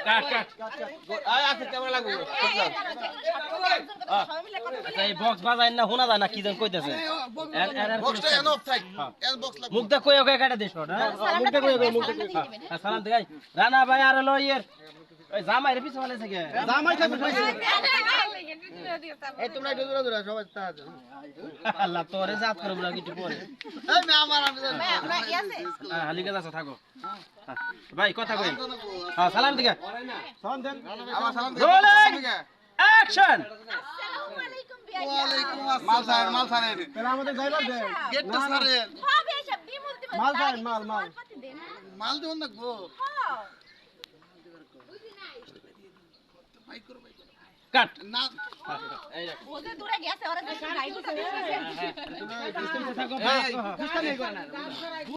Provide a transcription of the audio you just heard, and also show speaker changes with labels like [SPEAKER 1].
[SPEAKER 1] কাট কাট
[SPEAKER 2] আচ্ছা কেমন লাগবে
[SPEAKER 1] আচ্ছা এই বক্স বাজায় না শোনা যায় না কি যেন কইতেছে
[SPEAKER 2] বক্সটা এন অফ থাক এন বক্স লাগবে
[SPEAKER 1] মুখটা কই ওকে কাটা দিছ না মুখটা কই ওকে মুখটা সালাম দে গাই রানা ভাই আর হলো ইয়ের ওই জামাই রে পিছে বলে থেকে
[SPEAKER 2] জামাই খাবে এই তোমরা একটু দূরে দূরে সবাই তা
[SPEAKER 1] আল্লাহ তোরে জাত করব না কিছু পরে
[SPEAKER 2] এই মে আমার আমি
[SPEAKER 3] আমরা কি আছে
[SPEAKER 1] হালিকা যাচ্ছে থাকো ভাই কথা কই হ্যাঁ সালাম দিকে
[SPEAKER 2] সালাম দেন আমার সালাম দেন
[SPEAKER 1] রোলিং অ্যাকশন
[SPEAKER 3] আসসালামু আলাইকুম বিয়া
[SPEAKER 2] ওয়ালাইকুম আসসালাম মাল ছাড়েন তাহলে আমাদের ড্রাইভার দেন গেটটা ছাড়েন
[SPEAKER 3] হবে সব বিমুল দিবেন
[SPEAKER 2] মাল ছাড়েন মাল
[SPEAKER 3] দেন
[SPEAKER 2] মাল দেন না গো
[SPEAKER 3] হ্যাঁ
[SPEAKER 1] কাট
[SPEAKER 2] না
[SPEAKER 3] ওদের দূরে গেছে ওরা দেশে গাইড
[SPEAKER 1] হ্যাঁ হ্যাঁ
[SPEAKER 2] ডিসটেন্সে থাকো ভাই